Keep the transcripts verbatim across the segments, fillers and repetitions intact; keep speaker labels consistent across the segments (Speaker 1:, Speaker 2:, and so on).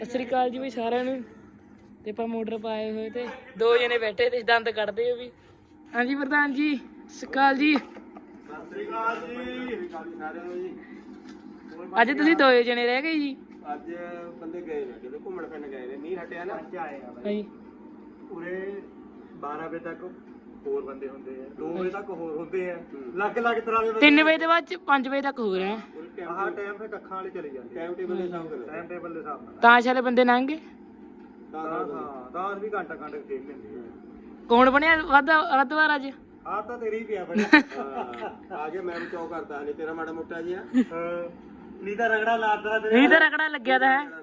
Speaker 1: ਸਤਿ ਸ੍ਰੀ ਅਕਾਲ ਜੀ ਬਈ ਸਾਰਿਆਂ ਨੂੰ। ਤੇ ਆਪਾਂ ਮੋਟਰ ਪਾਏ ਹੋਏ ਤੇ ਦੋ ਜਣੇ ਬੈਠੇ ਤੇ ਦੰਦ ਕੱਢਦੇ ਆ ਵੀ। ਹਾਂਜੀ ਪ੍ਰਧਾਨ ਜੀ, ਸਤਿ ਸ੍ਰੀ ਅਕਾਲ ਜੀ।
Speaker 2: ਸਤਿ ਸ੍ਰੀ ਅਕਾਲ ਜੀ ਸਾਰਿਆਂ ਨੂੰ ਜੀ।
Speaker 1: ਅੱਜ ਤੁਸੀਂ ਦੋ ਜਣੇ ਰਹਿ ਗਏ ਜੀ।
Speaker 2: ਅੱਜ ਬੰਦੇ ਗਏ ਨੇ ਜਦੋਂ ਘੁੰਮਣ ਫਿਰਨ ਗਏ ਨੇ, ਮੀਂਹ ਹਟਿਆ ਨਾ ਅੱਜ ਆਏ ਆ
Speaker 1: ਹਾਂਜੀ
Speaker 2: ਉਰੇ ਬਾਰਾਂ ਵਜੇ ਤੱਕ ਹੋਰ ਬੰਦੇ ਹੁੰਦੇ ਆ, ਦੋ ਵਜੇ ਤੱਕ ਹੋਰ ਹੁੰਦੇ ਆ, ਲੱਗ ਲੱਗ ਤਰ੍ਹਾਂ ਦੇ
Speaker 1: ਤਿੰਨ ਵਜੇ ਤੋਂ ਬਾਅਦ ਪੰਜ ਵਜੇ ਤੱਕ ਹੋ ਰਿਹਾ।
Speaker 2: ਆਹ ਟਾਈਮ ਫਿਰ ਕੱਖਾਂ ਵਾਲੇ ਚਲੇ ਜਾਂਦੇ, ਟਾਈਮ ਟੇਬਲ ਦੇ ਹਿਸਾਬ ਨਾਲ, ਟਾਈਮ ਟੇਬਲ ਦੇ ਹਿਸਾਬ ਨਾਲ
Speaker 1: ਤਾਸ਼ ਵਾਲੇ ਬੰਦੇ ਲੰਘ ਗਏ।
Speaker 2: ਹਾਂ ਦਸ ਵੀ ਘੰਟਾ ਘੰਟਾ ਖੇਡ ਲੈਂਦੇ ਆ।
Speaker 1: ਕੌਣ ਬਣਿਆ ਵੱਧ ਵੱਧ ਵਾਰ ਅੱਜ?
Speaker 2: ਆਹ ਤਾਂ ਤੇਰੀ ਪਿਆ ਬੜਿਆ ਆ ਗਿਆ। ਮੈਂ ਵੀ ਚੌ ਕਰਦਾ ਨਹੀਂ ਤੇਰਾ ਮਾੜਾ ਮੋਟਾ ਜਿਹਾ, ਨਹੀਂ ਤਾਂ ਰਗੜਾ ਲਾਦਾ ਤੇਰੇ,
Speaker 1: ਨਹੀਂ ਤਾਂ ਰਗੜਾ ਲੱਗਿਆ ਤਾਂ ਹੈ।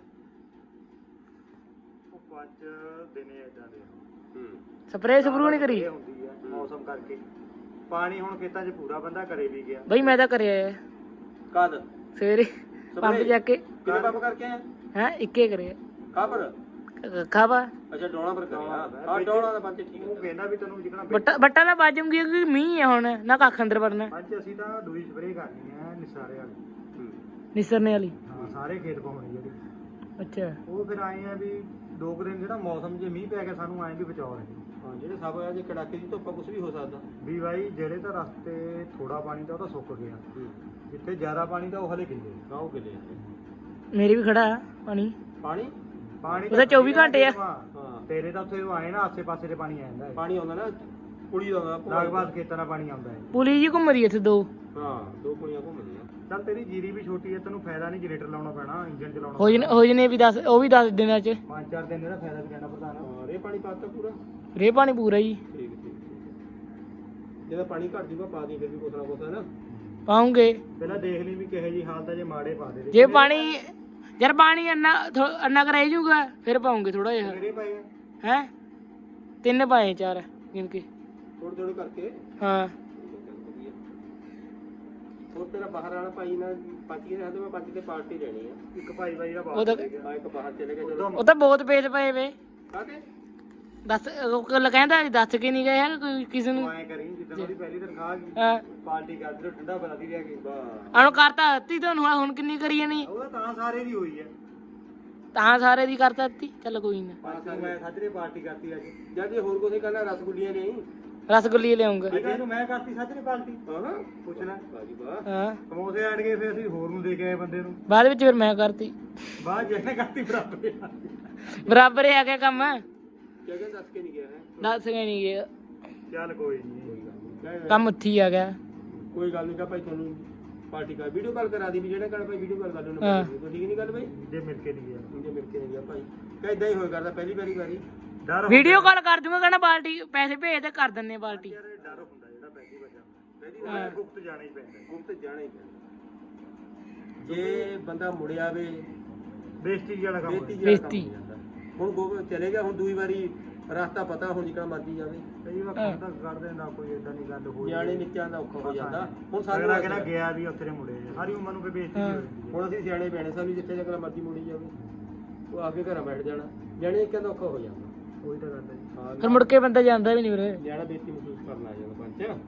Speaker 2: ਉਹ ਪੰਜ ਦਿਨੇ ਏਦਾਂ ਦੇ ਹੂੰ
Speaker 1: ਸਪਰੇਅ ਸਪਰੂ ਨਹੀਂ ਕਰੀ
Speaker 2: ਹੁੰਦੀ ਆ ਮੌਸਮ ਕਰਕੇ। ਪਾਣੀ ਹੁਣ ਖੇਤਾਂ 'ਚ ਪੂਰਾ ਬੰਦਾ ਕਰੇ ਵੀ ਗਿਆ
Speaker 1: ਬਈ। ਮੈਂ ਤਾਂ ਕਰਿਆ
Speaker 2: ਕਦ
Speaker 1: ਸਵੇਰੇ ਪੰਪ ਜਾ ਕੇ।
Speaker 2: ਕਿਹਨੇ ਪੰਪ ਕਰਕੇ ਆਇਆ
Speaker 1: ਹੈ ਇੱਕੇ ਕਰਿਆ
Speaker 2: ਕਾਪਰ
Speaker 1: ਖਾਵਾ।
Speaker 2: ਅੱਛਾ ਡੋਣਾ ਪਰ ਕਰਿਆ। ਹਾਂ ਡੋਣਾ ਦਾ ਪੰਜ ਠੀਕ। ਉਹ ਕਹਿੰਦਾ ਵੀ ਤੈਨੂੰ ਜਿਕਣਾ
Speaker 1: ਬੱਟਾ ਬੱਟਾ ਦਾ ਬਾਜੂਗੀ ਕਿਉਂਕਿ ਮੀਂਹ ਆ ਹੁਣ ਨਾ ਕੱਖ ਅੰਦਰ ਵੜਨਾ।
Speaker 2: ਪੰਜ ਅਸੀਂ ਤਾਂ ਦੂਈ ਸਪਰੇਅ ਕਰਨੀ ਆ ਨਿਸਾਰੇ ਵਾਲੀ,
Speaker 1: ਨਿਸਰਨੇ ਵਾਲੀ।
Speaker 2: ਹਾਂ ਸਾਰੇ ਖੇਤ ਪਾਉਣੀ ਜਿਹੜੀ।
Speaker 1: ਅੱਛਾ
Speaker 2: ਉਹ ਫਿਰ ਆਏ ਆ ਵੀ ਦੋ ਕੁ ਦਿਨ ਜਿਹੜਾ ਮੌਸਮ ਜੇ ਮੀਂਹ ਪੈ ਗਿਆ ਸਾਨੂੰ ਆਏ ਵੀ ਬਚਾਓ ਰਹੇ। ਹਾਂ ਜਿਹੜੇ ਸਭ ਆ ਜੇ ਕੜਾਕੇ ਦੀ ਧੁੱਪ ਕੁਝ ਵੀ ਹੋ ਸਕਦਾ ਵੀ ਬਾਈ। ਜਿਹੜੇ ਤਾਂ ਰਸਤੇ ਥੋੜਾ ਪਾਣੀ ਦਾ ਉਹ ਤਾਂ ਸੁੱਕ ਗਿਆ, ਜਿੱਥੇ ਜ਼ਿਆਦਾ ਪਾਣੀ ਦਾ ਉਹ ਹਲੇ ਗਿੱਲੇ ਆ। ਉਹ ਗਿੱਲੇ
Speaker 1: ਮੇਰੇ ਵੀ ਖੜਾ ਆ ਪਾਣੀ।
Speaker 2: ਪਾਣੀ ਪਾਣੀ
Speaker 1: ਉਹਦਾ ਚੌਵੀ ਘੰਟੇ ਆ।
Speaker 2: ਹਾਂ ਤੇਰੇ ਤਾਂ ਉੱਥੇ ਆਏ ਨਾ ਆਸੇ ਪਾਸੇ ਦੇ ਪਾਣੀ ਆ ਜਾਂਦਾ, ਪਾਣੀ ਆਉਂਦਾ ਨਾ ਪੁਲੀ ਦਾ ਲਾਗਬਾਦ ਖੇਤਾਂ ਦਾ ਪਾਣੀ ਆਉਂਦਾ ਹੈ।
Speaker 1: ਪੁਲੀ ਜੀ ਘੁੰਮ ਰਹੀ ਇੱਥੇ ਦੋ।
Speaker 2: ਹਾਂ ਦੋ ਪੁਲੀਆਂ ਘੁੰਮਦੀਆਂ। ਚੱਲ ਤੇਰੀ ਜੀਰੀ ਵੀ ਛੋਟੀ ਹੈ, ਤੈਨੂੰ ਫਾਇਦਾ ਨਹੀਂ ਜਨਰੇਟਰ ਲਾਉਣਾ ਪੈਣਾ, ਇੰਜਨ ਚਲਾਉਣਾ
Speaker 1: ਹੋ ਜਨੇ ਹੋ ਜਨੇ ਵੀ ਦੱਸ, ਉਹ ਵੀ ਦੱਸ ਦਿਨਾਂ ਚ
Speaker 2: ਪੰਜ ਚਾਰ ਦਿਨ ਦਾ ਫਾਇਦਾ ਵੀ ਕਹਿਣਾ ਪ੍ਰਧਾਨ। ਹਾਂ ਰੇ ਪਾਣੀ ਪਾਤਾ ਪੂਰਾ,
Speaker 1: ਰੇ ਪਾਣੀ ਪੂਰਾ ਜੀ।
Speaker 2: ਠੀਕ ਠੀਕ। ਜਦੋਂ ਪਾਣੀ ਘਟ ਜੂਗਾ ਪਾ ਦੀ ਫਿਰ ਵੀ ਕੁਛ ਨਾ ਕੁਛ ਹੈ ਨਾ
Speaker 1: ਪਾਉਂਗੇ।
Speaker 2: ਪਹਿਲਾਂ ਦੇਖ ਲਈ ਵੀ ਕਿਹੋ ਜੀ ਹਾਲਤ ਹੈ, ਜੇ ਮਾੜੇ ਪਾ ਦੇ।
Speaker 1: ਜੇ ਪਾਣੀ ਯਾਰ ਪਾਣੀ ਅੰਨਾ ਅੰਨਾ ਕਰ ਰਹਿ ਜੂਗਾ ਫਿਰ ਪਾਉਂਗੇ ਥੋੜਾ ਜਿਹਾ।
Speaker 2: ਕਿਹੜੇ ਪਾਏ
Speaker 1: ਹੈ ਤਿੰਨ ਪਾਏ ਚਾਰ ਗਿਣ ਕੇ
Speaker 2: ਥੋੜੇ ਥੋੜੇ ਕਰਕੇ।
Speaker 1: ਹਾਂ
Speaker 2: ਹੋਰ ਤੇਰਾ ਬਾਹਰ ਵਾਲਾ ਭਾਈ ਨਾ ਪੰਜ ਕੇ ਰਹਿੰਦੇ, ਮੈਂ ਪੰਜ ਤੇ ਪਾਰਟੀ ਲੈਣੀ ਆ। ਇੱਕ ਭਾਈ ਬਾਈ ਦਾ
Speaker 1: ਉਹ ਤਾਂ
Speaker 2: ਬਾਹਰ ਇੱਕ ਬਾਹਰ ਚਲੇ ਗਿਆ ਜਦੋਂ।
Speaker 1: ਉਹ ਤਾਂ ਬਹੁਤ ਪੇਜ ਪਏ ਵੇ।
Speaker 2: ਕਾਹਦੇ
Speaker 1: ਦੱਸ ਉਹ ਗੱਲ ਕਹਿੰਦਾ ਦੱਸ ਕੇ ਨਹੀਂ ਗਏ ਯਾਰ ਕੋਈ ਕਿਸੇ ਨੂੰ।
Speaker 2: ਐ ਕਰੀ ਜਿੱਦਾਂ ਉਹਦੀ ਪਹਿਲੀ ਤਨਖਾਹ ਗਈ
Speaker 1: ਹਾਂ
Speaker 2: ਪਾਰਟੀ ਕਰਦੇ ਠੰਡਾ ਬਲਾ ਦੀ ਰਹਿ ਗਈ ਬਾ।
Speaker 1: ਆਣੋ ਕਰਤਾ ਦਿੱਤੀ ਤੁਹਾਨੂੰ, ਹੁਣ ਕਿੰਨੀ ਕਰੀ ਜਾਣੀ?
Speaker 2: ਉਹਦਾ ਤਾਂ ਸਾਰੇ ਦੀ ਹੋਈ ਹੈ,
Speaker 1: ਤਾਂ ਸਾਰੇ ਦੀ ਕਰਤਾ ਦਿੱਤੀ। ਚੱਲ ਕੋਈ ਨਾ।
Speaker 2: ਪੰਜ ਮੈਂ ਸਾਜਰੇ ਪਾਰਟੀ ਕਰਤੀ ਅੱਜ। ਜਦ ਜੇ ਹੋਰ ਕੋਈ ਕਹਿੰਦਾ ਰਸਗੁੱਲੀਆਂ ਨਹੀਂ
Speaker 1: ਰਸਗੁੱਲੀ ਲਿਆਉਂਗਾ।
Speaker 2: ਇਹਨੂੰ ਮੈਂ ਕਰਤੀ ਸਾਜਰੇ ਪਾਰਟੀ। ਹਾਂ ਪੁੱਛ ਲੈ ਬਾਜੀ ਵਾਹ।
Speaker 1: ਹਾਂ
Speaker 2: ਸਮੋਸੇ ਆੜ ਗਏ, ਫਿਰ ਅਸੀਂ ਹੋਰ ਨੂੰ ਦੇ ਕੇ ਆਏ ਬੰਦੇ ਨੂੰ।
Speaker 1: ਬਾਅਦ ਵਿੱਚ ਫਿਰ ਮੈਂ ਕਰਤੀ।
Speaker 2: ਬਾਅਦ ਜਿਹਨੇ ਕਰਤੀ ਬਰਾਬਰ
Speaker 1: ਬਰਾਬਰ ਹੀ ਆ ਗਿਆ ਕੰਮ।
Speaker 2: ਕਿਆ ਕਹਿੰਦਾ ਦੱਸ ਕੇ ਨਹੀਂ ਗਿਆ ਹੈ।
Speaker 1: ਦੱਸ ਕੇ ਨਹੀਂ ਗਿਆ
Speaker 2: ਚੱਲ ਕੋਈ ਨਹੀਂ,
Speaker 1: ਕੰਮ ਉੱਥੇ ਹੀ ਆ ਗਿਆ।
Speaker 2: ਕੋਈ ਗੱਲ ਨਹੀਂ ਕਾ ਭਾਈ ਤੁਹਾਨੂੰ ਪਾਰਟੀ ਕਰ ਵੀਡੀਓ ਕਾਲ ਕਰਾ ਦੀ ਵੀ ਜਿਹੜਾ ਕਹਿਣਾ ਭਾਈ ਵੀਡੀਓ ਕਾਲ ਕਰ ਲੈਣਾ।
Speaker 1: ਹਾਂ
Speaker 2: ਠੀਕ ਨਹੀਂ ਗੱਲ ਭਾਈ? ਜੇ ਮਿਲ ਕੇ ਨਹੀਂ ਗਿਆ, ਜੇ ਮਿਲ ਕੇ ਨਹੀਂ ਗਿਆ ਭਾਈ ਕਾ ਇਦਾਂ ਹੀ ਹੋਇਆ ਕਰਦਾ ਪਹਿਲੀ ਵਾਰੀ ਵਾਰੀ।
Speaker 1: ਵੀਡੀਓ ਕਾਲ ਕਰ ਦੂੰਗਾ, ਕਹਿੰਦਾ ਬਾਲਟੀ ਪੈਸੇ ਭੇਜ ਤੇ ਕਰ ਦਿੰਨੇ ਬਾਲਟੀ।
Speaker 2: ਯਾਰ ਡਰ ਹੁੰਦਾ ਜਿਹੜਾ ਪਹਿਲੀ ਵਾਰ ਜਾਂਦਾ, ਪਹਿਲੀ ਵਾਰ ਗੁਪਤ ਜਾਣਾ ਹੀ ਪੈਂਦਾ, ਗੁਪਤ ਜਾਣਾ ਹੀ ਪੈਂਦਾ। ਜੇ ਬੰਦਾ ਮੁੜਿਆ ਵੇ ਬੇਇੱਜ਼ਤੀ ਵਾਲਾ ਕੰਮ,
Speaker 1: ਬੇਇੱਜ਼ਤੀ।
Speaker 2: ਹੁਣ ਗੋਬ ਚਲੇ ਗਿਆ, ਹੁਣ ਦੂਈ ਵਾਰੀ ਰਸਤਾ ਪਤਾ, ਹੁਣ ਜਿੱਕਣਾ ਮਰਜੀ ਜਾਵੇ। ਕਈ ਵਾਰ ਕਰਦਾ ਕਰਦੇ ਨਾ ਕੋਈ ਏਦਾਂ ਨਹੀਂ ਗੱਲ ਹੋਈ, ਨਿਆਣੇ ਨਿੱਕਿਆਂ ਦਾ ਔਖਾ ਹੋ ਜਾਂਦਾ। ਹੁਣ ਸਾਨੂੰ ਅਗਲਾ ਗਿਆ ਵੀ ਉੱਥੇ ਮੁੜੇ ਸਾਰੀ ਉਮਰ ਨੂੰ ਕੋਈ ਬੇਇੱਜ਼ਤੀ ਨਹੀਂ ਹੋਈ। ਹੁਣ ਅਸੀਂ ਸਿਆਣੇ ਪੈਣੇ, ਸਾਨੂੰ ਜਿੱਥੇ ਜਗਲਾ ਮਰਜੀ ਮੁੜੀ ਜਾਵੇ ਉਹ ਆ ਕੇ ਘਰਾਂ ਬੈਠ ਜਾਣਾ, ਨਿਆਣੇ ਨਿੱਕਿਆਂ ਦਾ ਔਖਾ ਹੋ ਜਾਂਦਾ। ਉਹੀ ਤਾਂ ਗੱਲ ਹੈ ਜੀ। ਹਾਂ
Speaker 1: ਫਿਰ ਮੁੜ ਕੇ ਬੰਦਾ ਜਾਂਦਾ ਵੀ ਨਹੀਂ ਵੀਰੇ।
Speaker 2: ਨਿਆਣਾ ਬੇਇੱਜ਼ਤੀ ਮਹਿਸੂਸ ਕਰਨ ਲੱਗ ਜਾਂਦਾ। ਪੰਚ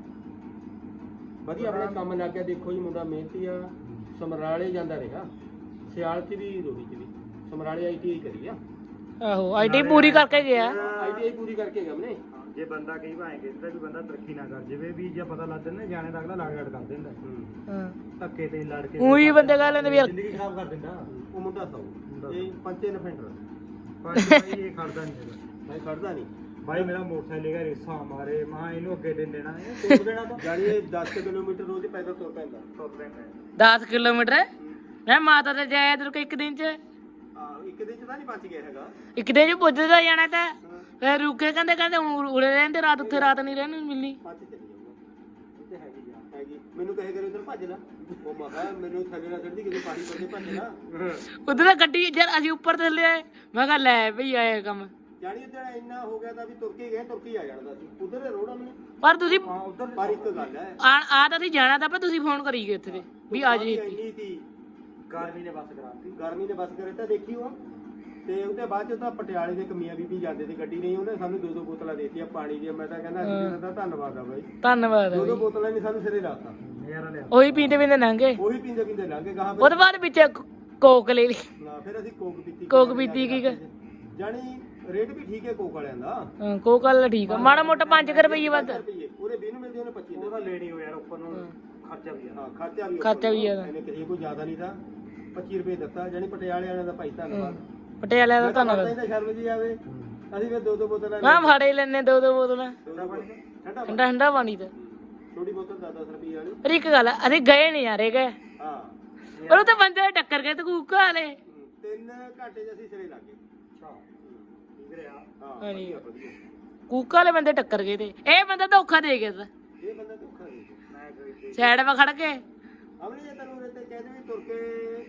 Speaker 2: ਵਧੀਆ ਆਪਣੇ ਕੰਮ ਲੱਗ ਗਿਆ। ਦੇਖੋ ਜੀ ਮੁੰਡਾ ਮਿਹਨਤੀ ਆ, ਸਮਰਾਲੇ ਜਾਂਦਾ ਰਿਹਾ, ਸਿਆਲ ਚ ਵੀ ਰੋਹੀ ਚ ਵੀ। ਸਮਰਾਲੇ ਆਈ ਟੀ ਆਈ ਕਰੀ ਆ।
Speaker 1: ਆਹੋ ਆਈ ਟੀ ਪੂਰੀ ਕਰਕੇ ਗਿਆ।
Speaker 2: ਆਈ ਟੀ ਆਈ ਪੂਰੀ ਕਰਕੇ ਗਿਆ ਉਹਨੇ। ਜੇ ਬੰਦਾ ਕਈ ਭਾਵੇਂ ਕਹਿੰਦਾ ਵੀ ਬੰਦਾ ਤਰੱਕੀ ਨਾ ਕਰ ਜਾਵੇ ਵੀ, ਜੇ ਪਤਾ ਲੱਗ ਜਾਂਦਾ ਜਾਣੇ ਦਾ ਅਗਲਾ ਲੜ ਲੜ ਕਰ ਦਿੰਦਾ।
Speaker 1: ਹਾਂ
Speaker 2: ਧੱਕੇ ਤੇ ਲੜ ਕੇ
Speaker 1: ਉਹੀ ਬੰਦੇ ਕਹਿ ਲੈਂਦੇ ਵੀ ਯਾਰ
Speaker 2: ਜ਼ਿੰਦਗੀ ਖਰਾਬ ਕਰ ਦਿੰਦਾ ਉਹ ਮੁੰਡਾ। ਸੌ ਇਹ ਪੰਚੇ ਨਫੈਂਡਰ ਭਾਈ ਇਹ ਖੜਦਾ ਨਹੀਂ ਹੈਗਾ ਭਾਈ, ਖੜਦਾ ਨਹੀਂ ਭਾਈ। ਮੇਰਾ ਮੋਟਰਸਾਈਕਲ ਹੈਗਾ, ਰੇਸਾਂ ਮਾਰੇ ਮਾਂ ਇਹਨੂੰ ਅੱਗੇ ਦੇ ਦੇਣਾ, ਇਹ ਤੋੜ ਦੇਣਾ ਤਾਂ ਜਾਨੀ ਇਹ ਦਸ ਕਿਲੋਮੀਟਰ ਰੋਜ਼ ਪੈਦਲ ਤੁਰ ਪੈਂਦਾ। ਤੁਰ ਪੈਂਦਾ
Speaker 1: ਦਸ ਕਿਲੋਮੀਟਰ ਮੈਂ ਮਾਤਾ ਤੇ ਜਾਇਆ ਇਧਰ ਕੋ ਇੱਕ ਦਿਨ ਚ।
Speaker 2: ਹਾਂ ਇੱਕ ਦਿਨ ਚ ਤਾਂ ਨਹੀਂ ਬਚ ਗਿਆ ਹੈਗਾ,
Speaker 1: ਇੱਕ ਦਿਨ ਚ ਪੁੱਜਦਾ ਜਾਣਾ ਤਾਂ ਫਿਰ ਰੁਕੇ। ਕਹਿੰਦੇ ਕਹਿੰਦੇ ਹੁਣ ਉਰੇ ਰਹਿੰਦੇ ਰਾਤ, ਉੱਥੇ ਰਾਤ ਨਹੀਂ ਰਹਿਣ ਮਿਲਣੀ।
Speaker 2: ਪੰਜ ਚਲੀ ਜਾਊਗਾ ਤੇ ਹੈਗੀ ਜਾ ਹੈਗੀ। ਮੈਨੂੰ ਕਹੇ ਕਰੇ ਉਧਰ ਭੱਜ ਲੈ, ਉਹ ਮੈਂ ਕਿਹਾ ਮੈਨੂੰ ਥੱਲੇ ਨਾ ਚੜਦੀ ਕਿਤੇ ਪਾਣੀ ਪੱਲੇ ਭੱਜ ਲੈ।
Speaker 1: ਉਧਰ ਤਾਂ ਗੱਡੀ ਯਾਰ ਅਸੀਂ ਉੱਪਰ ਥੱਲੇ ਆਏ, ਮੈਂ ਕਿਹਾ ਲੈ ਭਈ ਆਏ ਕੰਮ।
Speaker 2: ਜਾਣੀ ਉਧਰ ਇੰਨਾ ਹੋ ਗਿਆ ਤਾਂ ਵੀ ਤੁਰ ਕੇ ਗਏ, ਤੁਰ ਕੇ ਆ ਜਾਣਾ ਸੀ ਉਧਰ ਦੇ ਰੋਡ ਆਪਣੇ।
Speaker 1: ਪਰ ਤੁਸੀਂ
Speaker 2: ਹਾਂ ਉਧਰ ਪਰ ਇੱਕ ਗੱਲ ਹੈ,
Speaker 1: ਆ ਆ ਤਾਂ ਅਸੀਂ ਜਾਣਾ ਤਾਂ ਪਰ ਤੁਸੀਂ ਫੋਨ ਕਰੀ ਗਏ ਉੱਥੇ ਤੇ ਵੀ ਆ ਜੀ।
Speaker 2: ਇੰਨੀ ਸੀ ਗਰਮੀ ਨੇ ਬਸ ਕਰਾਤੀ, ਗਰਮੀ ਨੇ ਬਸ ਕਰੇ ਤਾਂ ਦੇਖੀ ਉਹ। ਤੇ ਉਹਦੇ ਬਾਅਦ ਚ ਤਾਂ ਪਟਿਆਲੇ ਦੇ ਕਮੀਆਂ ਬੀਬੀ ਜਾਂਦੇ ਤੇ ਗੱਡੀ ਨਹੀਂ, ਉਹਨੇ ਸਾਨੂੰ ਦੋ ਦੋ ਬੋਤਲਾਂ ਦੇਤੀਆਂ ਪਾਣੀ ਦੀਆਂ। ਮੈਂ ਤਾਂ ਕਹਿੰਦਾ ਅਸੀਂ ਦਾ ਧੰਨਵਾਦ ਆ ਬਾਈ,
Speaker 1: ਧੰਨਵਾਦ।
Speaker 2: ਦੋ ਦੋ ਬੋਤਲਾਂ ਨਹੀਂ ਸਾਨੂੰ ਸਿਰੇ ਲਾਤਾ।
Speaker 1: ਉਹੀ ਪੀਂਦੇ ਪੀਂਦੇ ਲੰਘੇ,
Speaker 2: ਉਹੀ ਪੀਂਦੇ ਪੀਂਦੇ ਲੰਘੇ ਗਾਹਾਂ।
Speaker 1: ਉਹਦੇ ਬਾਅਦ ਵਿੱਚ ਕੋਕ ਲੈ ਲਈ
Speaker 2: ਨਾ ਫਿਰ ਅਸੀਂ ਕੋਕ ਪੀਤੀ
Speaker 1: ਕੋਕ ਪੀਤੀ ਕੀ ਕ-
Speaker 2: ਜਾਣੀ ਰੇਟ ਵੀ ਠੀਕ ਹੈ ਕੋਕ ਵਾਲਿਆਂ ਦਾ
Speaker 1: ਹਾਂ ਕੋਕ ਵਾਲਾ ਠੀਕ ਆ ਮਾੜਾ ਮੋਟਾ ਪੰਜ ਰੁਪਏ ਵੱਧ
Speaker 2: ਰੁਪਏ ਉਹਦੇ ਵੀਹ ਨੂੰ ਮਿਲਦੇ ਉਹਨੇ ਪੱਚੀ ਉਹਦਾ ਲੈਣੀ ਹੋ ਯਾਰ ਉੱਪਰ ਨੂੰ ਖਰਚਾ ਵੀ ਹਾਂ ਖਰਚਾ ਵੀ
Speaker 1: ਖਰਚਾ ਵੀ ਆ
Speaker 2: ਇਹਨੇ ਕਿਸੇ ਕੋਈ ਜ਼ਿਆਦਾ ਨਹੀਂ ਤਾਂ ਪੱਚੀ ਰੁਪਏ ਦਿੱਤਾ ਜਾਨੀ ਪਟਿਆਲੇ ਵਾਲਿਆਂ ਦਾ ਭਾਈ ਧੰਨਵਾਦ
Speaker 1: ਪਟਿਆਲੇ ਦਾ ਧੰਨਵਾਦ
Speaker 2: ਤਾਂ ਸ਼ਰਮ ਜੀ ਆਵੇ ਅਸੀਂ ਫਿਰ ਦੋ ਦੋ ਬੋਤਲਾਂ
Speaker 1: ਹਾਂ ਫਾੜੇ ਲੈਣੇ ਦੋ ਦੋ ਬੋਤਲਾਂ
Speaker 2: ਠੰਡਾ ਪਾਣੀ ਠੰਡਾ
Speaker 1: ਠੰਡਾ ਠੰਡਾ ਪਾਣੀ ਤੇ
Speaker 2: ਛੋਟੀ ਬੋਤਲ ਦਸ ਦਸ ਰੁਪਏ ਵਾਲੀ
Speaker 1: ਪਰ ਇੱਕ ਗੱਲ ਆ, ਅਸੀਂ ਗਏ ਨਹੀਂ ਯਾਰੇ ਗਏ
Speaker 2: ਹਾਂ
Speaker 1: ਉਹ ਤਾਂ ਬੰਦੇ ਟੱਕਰ ਗਏ ਤੇ ਕੂਕਾ ਵਾਲੇ
Speaker 2: ਤਿੰਨ ਘੰਟੇ ਚ ਅਸੀਂ ਸਿਰੇ ਲੱਗ ਗਏ ਅੱਛਾ ਠੀਕ ਰਿਹਾ ਹਾਂ
Speaker 1: ਹਾਂਜੀ
Speaker 2: ਵਧੀਆ
Speaker 1: ਕੂਕਾ ਵਾਲੇ ਬੰਦੇ ਟੱਕਰ ਗਏ ਤੇ ਇਹ ਬੰਦਾ ਧੋਖਾ ਦੇ ਗਿਆ
Speaker 2: ਇਹ ਬੰਦਾ ਧੋਖਾ ਦੇ ਮੈਂ ਕੋਈ
Speaker 1: ਸਾਈਡ 'ਤੇ ਖੜ ਕੇ
Speaker 2: ਅਮਲੀ ਜੇ ਤੈਨੂੰ ਉਰੇ ਤੇ ਕਹਿ ਦੇ ਵੀ ਤੁਰ ਕੇ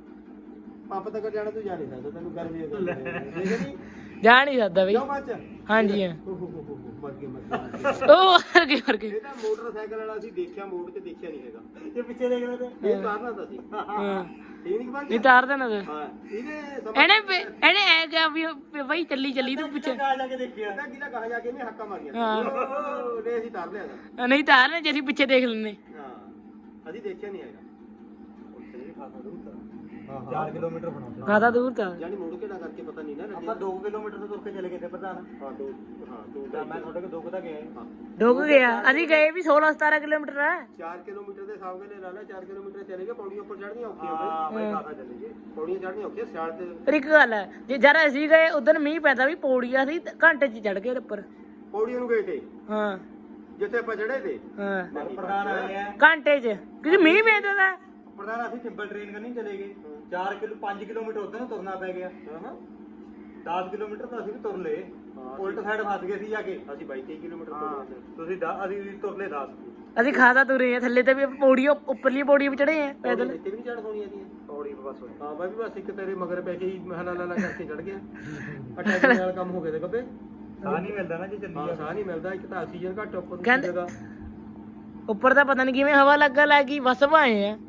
Speaker 2: ਪੰਪ ਤੱਕ ਜਾਣਾ ਤੂੰ ਜਾ ਨਹੀਂ ਸਕਦਾ ਤੈਨੂੰ ਗਰਮੀ ਹੋ ਗਈ ਠੀਕ ਨਹੀਂ
Speaker 1: ਜਾ ਨਹੀਂ ਸਕਦਾ ਬਈ
Speaker 2: ਕਿਉਂ ਬੱਚ
Speaker 1: ਹਾਂਜੀ ਹਾਂ
Speaker 2: ਮਰ ਗਏ ਮਰ ਗਏ
Speaker 1: ਉਹ ਵਰ ਗਏ ਵਰ ਗਏ
Speaker 2: ਇਹ ਤਾਂ ਮੋਟਰਸਾਈਕਲ ਵਾਲਾ ਅਸੀਂ ਦੇਖਿਆ ਮੋੜ ਤੇ ਦੇਖਿਆ ਨਹੀਂ ਹੈਗਾ ਇਹ ਪਿੱਛੇ ਦੇਖ ਲੈ ਤੇ ਇਹ ਤਾਰਨਾ ਤਾਂ ਸੀ
Speaker 1: ਹਾਂ
Speaker 2: ਠੀਕ ਨਹੀਂ ਬੱਚ
Speaker 1: ਨਹੀਂ ਤਾਰ ਦੇਣਾ ਤੇ
Speaker 2: ਹਾਂ ਇਹਨੇ
Speaker 1: ਇਹਨੇ ਇਹਨੇ ਐ ਕਿਹਾ ਵੀ ਬਈ ਚੱਲੀ ਚੱਲੀ ਤੂੰ ਪਿੱਛੇ
Speaker 2: ਕਹਾ ਜਾ ਕੇ ਦੇਖਿਆ ਤਾਂ ਕਿਹਦਾ ਕਹਾ ਜਾ ਕੇ ਇਹਨੇ ਹੱਕਾ ਮਾਰੀਆਂ
Speaker 1: ਹਾਂ
Speaker 2: ਨੇ ਅਸੀਂ ਤਾਰ ਲਿਆ ਤਾਂ
Speaker 1: ਨਹੀਂ ਤਾਰ ਨੇ ਜੇ ਅਸੀਂ ਪਿੱਛੇ ਦੇਖ ਲੈਂਦੇ
Speaker 2: ਹਾਂ ਅਸੀਂ ਦੇਖਿਆ ਨਹੀਂ ਹੈਗਾ ਉੱਥੇ ਵੀ ਖਾਸਾ ਦੂਰ ਤਾਂ ਚਾਰ ਕਿਲੋਮੀਟਰ ਬਣਾਉਂਦਾ
Speaker 1: ਖਾਦਾ ਦੂਰ ਤਾਂ
Speaker 2: ਜਾਨੀ ਮੋੜ ਕੇ ਨਾ ਕਰਕੇ ਪਤਾ ਨਹੀਂ ਨਾ ਆਪਾਂ ਦੋ ਕਿਲੋਮੀਟਰ ਤੋਂ ਤੁਰ ਕੇ ਚਲੇ ਗਏ ਤੇ ਪ੍ਰਧਾਨ ਹਾਂ ਦੋ ਹਾਂ ਦੋ ਮੈਂ ਤੁਹਾਡੇ ਕੋਲ ਦੋ ਕੁ ਤਾਂ ਗਿਆ ਹਾਂ
Speaker 1: ਡੁੱਬ ਗਿਆ ਅਸੀਂ ਗਏ ਵੀ ਸੋਲਾਂ ਸਤਾਰਾਂ ਕਿਲੋਮੀਟਰ ਹੈ
Speaker 2: ਚਾਰ ਕਿਲੋਮੀਟਰ ਦੇ ਹਿਸਾਬ ਨਾਲ ਲਾ ਲੈ ਚਾਰ ਕਿਲੋਮੀਟਰ ਚਲੇ ਗਏ ਪੌੜੀਆਂ ਉੱਪਰ ਚੜ੍ਹਨੀਆਂ ਔਖੀਆਂ ਹਾਂ ਬਈ ਖਾਸਾ ਚਲੇ ਗਏ ਪੌੜੀਆਂ ਚੜ੍ਹਨੀਆਂ ਔਖੀਆਂ ਸਿਆਲ ਤੇ
Speaker 1: ਪਰ ਇੱਕ ਗੱਲ ਹੈ ਜੇ ਜਦ ਅਸੀਂ ਗਏ ਉਦੋਂ ਮੀਂਹ ਪੈਂਦਾ ਵੀ ਪੌੜੀਆਂ ਸੀ ਘੰਟੇ 'ਚ ਚੜ ਗਏ ਉੱਪਰ
Speaker 2: ਪੌੜੀਆਂ ਨੂੰ ਗਏ ਤੇ
Speaker 1: ਹਾਂ
Speaker 2: ਜਿੱਥੇ ਆਪਾਂ ਚੜੇ ਤੇ
Speaker 1: ਹਾਂ
Speaker 2: ਪ੍ਰਧਾਨ ਆਏ ਆ
Speaker 1: ਘੰਟੇ 'ਚ ਕਿਉਂਕਿ ਮੀਂਹ ਪੈਂਦਾ ਤਾ
Speaker 2: ਪ੍ਰਧਾਨ ਅਸੀਂ ਟਿੰਬਲ ਟ੍ਰੇਨ ਕਰਨੀ ਚਲੇ ਗਏ ਚਾਰ ਕਿਲੋ ਪੰਜ ਕਿਲੋਮੀਟਰ ਉੱਧਰ ਨੂੰ ਤੁਰਨਾ ਪੈ ਗਿਆ ਹਾਂ ਦਸ ਕਿਲੋਮੀਟਰ ਤਾਂ ਅਸੀਂ ਵੀ ਤੁਰ ਲਏ ਉਲਟ ਸਾਈਡ ਫਸ ਗਏ ਸੀ ਜਾ ਕੇ ਅਸੀਂ ਬਾਈ ਤੇਈ ਕਿਲੋਮੀਟਰ ਤੁਰ ਤੁਸੀਂ ਅਸੀਂ ਤੁਰ ਲਏ ਦਸ
Speaker 1: ਅਸੀਂ ਖਾਦਾ ਤੁਰੇ ਆ ਥੱਲੇ ਤੇ ਵੀ ਪੌੜੀ ਉੱਪਰਲੀ ਪੌੜੀ ਵੀ ਚੜੇ ਆ ਪੈਦਲ
Speaker 2: ਇੱਥੇ ਵੀ ਨਹੀਂ ਚੜ ਹੋਣੀ ਆਦੀ ਪੌੜੀ ਬਸ ਹਾਂ ਬਾਈ ਬਸ ਇੱਕ ਤੇਰੇ ਮਗਰ ਪੈ ਕੇ ਹੀ ਮਹਲਾ ਲਾਲਾ ਕਰਕੇ ਚੜ ਗਿਆ ਅਟੈਕ ਨਾਲ ਕੰਮ ਹੋ ਗਿਆ ਤੇ ਗੱਬੇ ਸਾਹ ਨਹੀਂ ਮਿਲਦਾ ਨਾ ਜੇ ਚੱਲੀ ਸਾਹ ਨਹੀਂ ਮਿਲਦਾ ਇੱਕ ਤਾਂ ਆਕਸੀਜਨ ਘੱਟ ਉੱਪਰ ਨੂੰ ਜਗ੍ਹਾ
Speaker 1: ਉੱਪਰ ਤਾਂ ਪਤਾ ਨਹੀਂ ਕਿਵੇਂ ਹਵਾ ਲੱਗਾ ਲੱਗੀ ਬਸ ਭਾਏ ਆ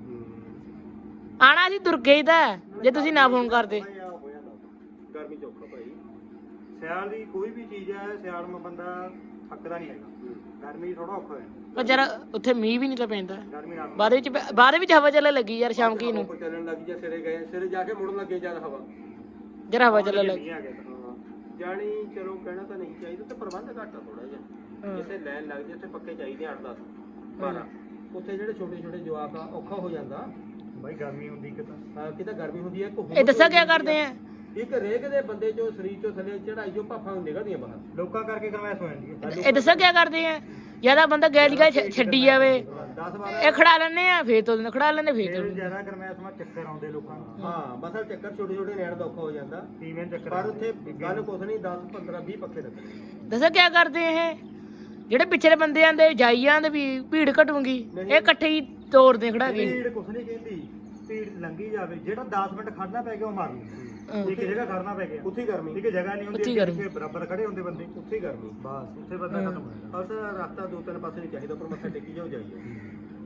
Speaker 1: ਆਣਾ ਸੀ ਤੁਰ ਕੇ ਹੀ ਤਾਂ ਜੇ ਤੁਸੀਂ ਨਾ ਫੋਨ ਕਰਦੇ
Speaker 2: ਗਰਮੀ ਚ ਔਖਾ ਭਾਈ ਸਿਆਲ ਦੀ ਕੋਈ ਵੀ ਚੀਜ਼ ਹੈ ਸਿਆਲ ਨੂੰ ਬੰਦਾ ਥੱਕਦਾ ਨਹੀਂ ਹੈਗਾ ਗਰਮੀ ਥੋੜਾ ਔਖਾ ਹੈ
Speaker 1: ਪਰ ਜਰਾ ਉੱਥੇ ਮੀਂਹ ਵੀ ਨਹੀਂ ਤਾਂ ਪੈਂਦਾ
Speaker 2: ਗਰਮੀ ਨਾਲ
Speaker 1: ਬਾਅਦ ਵਿੱਚ ਬਾਅਦ ਵਿੱਚ ਹਵਾ ਚੱਲਣ ਲੱਗੀ ਯਾਰ ਸ਼ਾਮ ਕੀ ਨੂੰ
Speaker 2: ਚੱਲਣ ਲੱਗੀ ਜਾਂ ਸਿਰੇ ਗਏ ਸਿਰੇ ਜਾ ਕੇ ਮੁੜਨ ਲੱਗੇ ਜਦ ਹਵਾ
Speaker 1: ਜਰਾ ਹਵਾ ਚੱਲਣ ਲੱਗੀ
Speaker 2: ਜਾਣੀ ਚਲੋ ਕਹਿਣਾ ਤਾਂ ਨਹੀਂ ਚਾਹੀਦਾ ਤੇ ਪ੍ਰਬੰਧ ਘੱਟ ਆ ਥੋੜਾ ਜਿਹਾ ਜਿੱਥੇ ਲੈਣ ਲੱਗ ਜੇ ਉੱਥੇ ਪੱਕੇ ਚਾਹੀਦੇ ਅੱਠ ਦਸ ਬਾਰਾਂ ਉੱਥੇ ਜਿਹੜੇ ਛੋਟੇ ਛੋਟੇ ਜਵਾਕ ਆ ਔਖਾ ਹੋ ਜਾਂਦਾ ਬਾਈ ਗਰਮੀ ਹੁੰਦੀ ਕਿਤਾ ਹਾਂ ਕਿਤਾ ਗਰਮੀ ਹੁੰਦੀ ਹੈ
Speaker 1: ਇਹ ਦੱਸਾਂ ਕੀ ਕਰਦੇ ਆ
Speaker 2: ਇੱਕ ਰੇਗ ਦੇ ਬੰਦੇ ਚੋਂ ਸਰੀਰ ਚੋਂ ਥੱਲੇ ਚੜਾਈ ਚੋਂ ਭਾਫਾਂ ਨਿਕਲਦੀਆਂ ਬਾਹਰ ਲੋਕਾਂ ਕਰਕੇ ਗਰਮੈਸ਼ ਹੋ ਜਾਂਦੀ ਹੈ
Speaker 1: ਇਹ ਦੱਸਾਂ ਕੀ ਕਰਦੇ ਆ ਜਿਆਦਾ ਬੰਦਾ ਗੈਲੀ ਗਾ ਛੱਡੀ ਜਾਵੇ
Speaker 2: ਦਸ ਬਾਰਾਂ
Speaker 1: ਇਹ ਖੜਾ ਲੈਣੇ ਆ ਫੇਰ ਤੋਂ ਖੜਾ ਲੈਣੇ ਫੇਰ ਤੋਂ
Speaker 2: ਜਿਆਦਾ ਗਰਮੈਸ਼ ਮਾ ਚੱਕਰ ਆਉਂਦੇ ਲੋਕਾਂ ਨੂੰ ਹਾਂ ਬਸਲ ਚੱਕਰ ਛੋਟੇ ਛੋਟੇ ਨੈਣ ਦਾ ਔਖਾ ਹੋ ਜਾਂਦਾ ਤੀਵੇਂ ਚੱਕਰ ਪਰ ਉੱਥੇ ਗੱਲ ਕੁਛ ਨਹੀਂ ਦਸ ਪੰਦਰਾਂ ਵੀਹ ਪੱਖੇ ਲੱਗਣੇ
Speaker 1: ਦੱਸਾਂ ਕੀ ਕਰਦੇ ਇਹ ਜਿਹੜੇ ਪਿਛਲੇ ਬੰਦੇ ਆਂਦੇ ਜਾਈ ਜਾਂਦੇ ਵੀ ਭੀੜ ਘਟੂਗੀ ਇਹ ਇਕੱਠੇ ਹੀ ਤੋੜਦੇ ਖੜਾ ਕੇ
Speaker 2: ਭੀੜ ਕੁਛ ਨਹੀਂ ਕਹਿੰਦੀ ਭੀੜ ਲੰਗੀ ਜਾਵੇ ਜਿਹੜਾ ਦਸ ਮਿੰਟ ਖੜਨਾ ਪੈ ਗਿਆ ਉਹ ਮਾਰ ਲੂ ਇੱਕ ਜਗ੍ਹਾ ਖੜਨਾ ਪੈ ਗਿਆ ਉੱਥੇ ਗਰਮੀ ਇੱਕ ਜਗ੍ਹਾ ਨਹੀਂ ਹੁੰਦੀ ਇੱਥੇ ਬਰਾਬਰ ਖੜੇ ਹੁੰਦੇ ਬੰਦੇ ਉੱਥੇ ਗਰਮੀ ਬਸ ਉੱਥੇ ਬੰਦਾ ਖਤਮ ਹੋ ਜਾਂਦਾ ਬਸ ਰਸਤਾ ਦੋ ਤਿੰਨ ਪਾਸੇ ਨਹੀਂ ਚਾਹੀਦਾ ਪਰ ਮੱਥਾ ਟੇਕੀ ਜਾਓ ਜਾਈਏ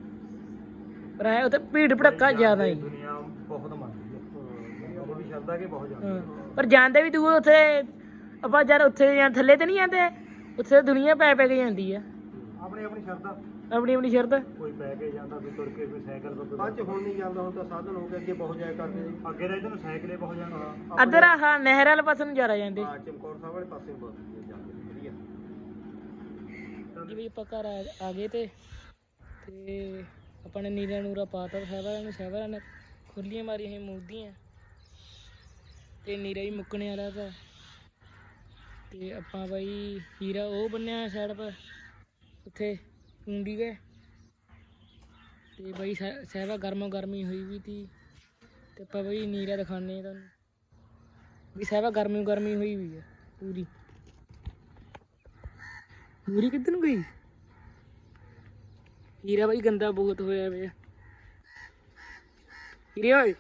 Speaker 1: ਪਰ ਐ ਉੱਥੇ ਭੀੜ ਭੜੱਕਾ ਜ਼ਿਆਦਾ ਹੀ
Speaker 2: ਦੁਨੀਆ ਬਹੁਤ ਮੰਨਦੀ ਹੈ ਉਹ ਵੀ ਸ਼ਰਧਾ ਕੇ ਬਹੁਤ ਜਾਂਦੀ
Speaker 1: ਪਰ ਜਾਂਦੇ ਵੀ ਦੂਰ ਉੱਥੇ ਆਪਾਂ ਜਦ ਉੱਥੇ ਜਾਂ ਥੱਲੇ ਤੇ ਨਹੀਂ ਜਾਂਦੇ ਉੱਥੇ ਦੁਨੀਆ ਪੈ ਪੈ ਕੇ ਜਾਂਦੀ ਆ
Speaker 2: ਆਪਣੀ ਆਪਣੀ ਸ਼ਰਧਾ
Speaker 1: ਆਪਣੀ ਆਪਣੀ ਸ਼ਰਧਾ
Speaker 2: ਕੋਈ ਪੈ ਕੇ ਜਾਂਦਾ ਕੋਈ ਤੁਰ ਕੇ ਕੋਈ ਸਾਈਕਲ ਪਰ ਬਾਅਦ ਹੁਣ ਨਹੀਂ ਜਾਂਦਾ ਹੁਣ ਤਾਂ ਸਾਧਨ ਹੋ ਗਏ ਅੱਗੇ ਬਹੁਤ ਜਾਇਆ ਕਰਦੇ ਅੱਗੇ ਰਹਿ ਨੂੰ ਸਾਈਕਲੇ ਬਹੁਤ ਜਾਂਦਾ
Speaker 1: ਅਦਰ ਆਹ ਨਹਿਰ ਵਾਲੇ ਪਾਸੇ ਨੂੰ ਜ਼ਿਆਦਾ ਜਾਂਦੇ
Speaker 2: ਹਾਂ ਚਮਕੌਰ ਸਾਹਿਬ ਵਾਲੇ ਪਾਸੇ ਨੂੰ ਬਹੁਤ ਜਾਂਦੇ ਵਧੀਆ
Speaker 1: ਜੀ ਵੀ ਆਪਾਂ ਘਰ ਆ ਗਏ ਤੇ ਤੇ ਆਪਾਂ ਨੇ ਨੀਰਾ ਨੂਰਾ ਪਾਤਾ ਸਹਿਬਰਾਂ ਨੂੰ ਸਹਿਬਰਾਂ ਨੇ ਖੁੱਲੀਆਂ ਮਾਰੀਆਂ ਸੀ ਮੂਦੀਆਂ ਤੇ ਨੀਰਾ ਹੀ ਮੁੱਕਣੇ ਵਾਲਾ ਤਾਂ ਤੇ ਆਪਾਂ ਬਾਈ ਹੀਰਾ ਉਹ ਬੰਨਿਆ ਸਾਈਡ ਪਰ ਉੱਥੇ ਕੁੰਡੀ ਗਏ ਤੇ ਬਾਈ ਸਹਿਬਾ ਗਰਮੋ ਗਰਮੀ ਹੋਈ ਵੀ ਤੀ ਤੇ ਆਪਾਂ ਬਾਈ ਨੀਰਾ ਦਿਖਾਉਂਦੇ ਤੁਹਾਨੂੰ ਵੀ ਸਹਿਬਾ ਗਰਮੀ ਗਰਮੀ ਹੋਈ ਵੀ ਆ ਪੂਰੀ ਪੂਰੀ ਕਿੱਧਰ ਨੂੰ ਗਈ ਹੀਰਾ ਬਾਈ ਗੰਦਾ ਬਹੁਤ ਹੋਇਆ ਵੇ ਹੀਰੇ ਓਏ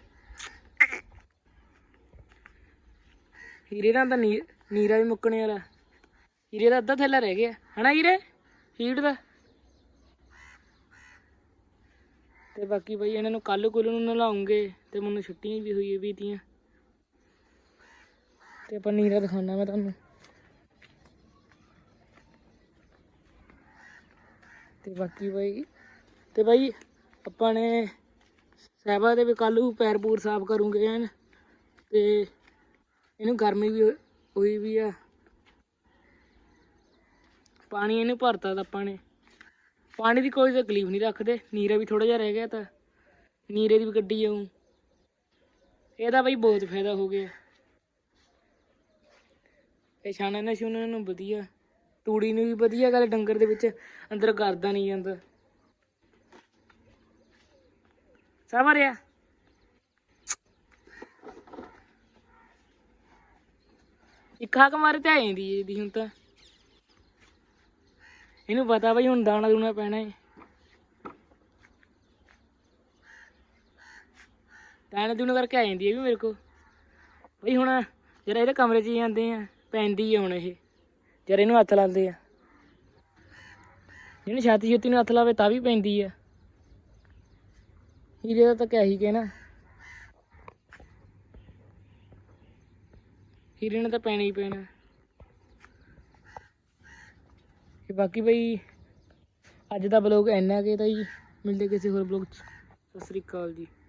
Speaker 1: ਹੀਰੇ ਨਾਲ ਤਾਂ ਨੀ ਨੀਰਾ ਵੀ ਮੁੱਕਣੇ ਵਾਲਾ ਹੀਰੇ ਦਾ ਅੱਧਾ ਥੈਲਾ ਰਹਿ ਗਿਆ ਹਨਾ ਹੀਰੇ ਹੀਟ ਦਾ ਤੇ ਬਾਕੀ ਬਾਈ ਇਹਨਾਂ ਨੂੰ ਕੱਲ ਕੁੱਲ ਨੂੰ ਨਲਾਉਂਗੇ ਤੇ ਮੈਨੂੰ ਛੁੱਟੀਆਂ ਵੀ ਹੋਈ ਵੀ ਤੀਆਂ ਤੇ ਆਪਾਂ ਨੀਰਾ ਦਿਖਾਉਣਾ ਮੈਂ ਤੁਹਾਨੂੰ ਤੇ ਬਾਕੀ ਬਾਈ ਤੇ ਬਾਈ ਆਪਾਂ ਨੇ ਸਹਿਬਾ ਦੇ ਵੀ ਕੱਲ੍ਹ ਨੂੰ ਪੈਰ ਪੂਰ ਸਾਫ਼ ਕਰੂੰਗੇ ਐਨ। ਤੇ ਇਹਨੂੰ ਗਰਮੀ ਵੀ ਹੋਈ ਵੀ ਆ। ਪਾਣੀ ਇਹਨੂੰ ਭਰਤਾ ਤਾਂ ਆਪਾਂ ਨੇ। ਪਾਣੀ ਦੀ ਕੋਈ ਤਕਲੀਫ ਨਹੀਂ ਰੱਖਦੇ। ਨੀਰਾ ਵੀ ਥੋੜ੍ਹਾ ਜਿਹਾ ਰਹਿ ਗਿਆ ਤਾਂ ਨੀਰੇ ਦੀ ਵੀ ਗੱਡੀ ਜਾਊ। ਇਹਦਾ ਬਈ ਬਹੁਤ ਫਾਇਦਾ ਹੋ ਗਿਆ। ਇਹ ਛਾਣੇ ਨਾ ਛੂਣੇ ਨੂੰ ਵਧੀਆ, ਤੂੜੀ ਨੂੰ ਵੀ ਵਧੀਆ ਗੱਲ। ਡੰਗਰ ਦੇ ਵਿੱਚ ਅੰਦਰ ਕਰਦਾ ਨਹੀਂ ਜਾਂਦਾ। ਸਭ ਰਿਹਾ ਇੱਕ ਹਾਕ ਮਾਰੇ ਤੇ ਆ ਜਾਂਦੀ ਇਹਦੀ। ਹੁਣ ਤਾਂ ਇਹਨੂੰ ਪਤਾ ਬਈ ਹੁਣ ਦਾਣਾ ਦੂਣਾ ਪੈਣਾ ਹੈ। ਦਾਣਾ ਦੂਣਾ ਕਰਕੇ ਆ ਜਾਂਦੀ ਹੈ ਵੀ ਮੇਰੇ ਕੋਲ ਬਈ। ਹੁਣ ਜਰਾ ਇਹਦੇ ਕਮਰੇ 'ਚ ਹੀ ਜਾਂਦੇ ਆ, ਪੈਂਦੀ ਆ ਹੁਣ ਇਹ। ਜਰਾ ਇਹਨੂੰ ਹੱਥ ਲਾਉਂਦੇ ਆ, ਜਿਹਨੂੰ ਛਾਤੀ ਛੁੱਤੀ ਨੂੰ ਹੱਥ ਲਾਵੇ ਤਾਂ ਵੀ ਪੈਂਦੀ ਆ। ਹੀਰੇ ਦਾ ਤਾਂ ਕਿਆ ਹੀ ਕਹਿਣਾ, ਹੀਰੇ ਨੇ ਤਾਂ ਪੈਣਾ ਹੀ ਪੈਣਾ। ਤੇ ਬਾਕੀ ਬਈ ਅੱਜ ਦਾ ਬਲੌਗ ਇੰਨਾ ਕੁ ਤਾਂ ਜੀ। ਮਿਲਦੇ ਕਿਸੇ ਹੋਰ ਬਲੌਗ 'ਚ। ਸਤਿ ਸ਼੍ਰੀ ਅਕਾਲ ਜੀ।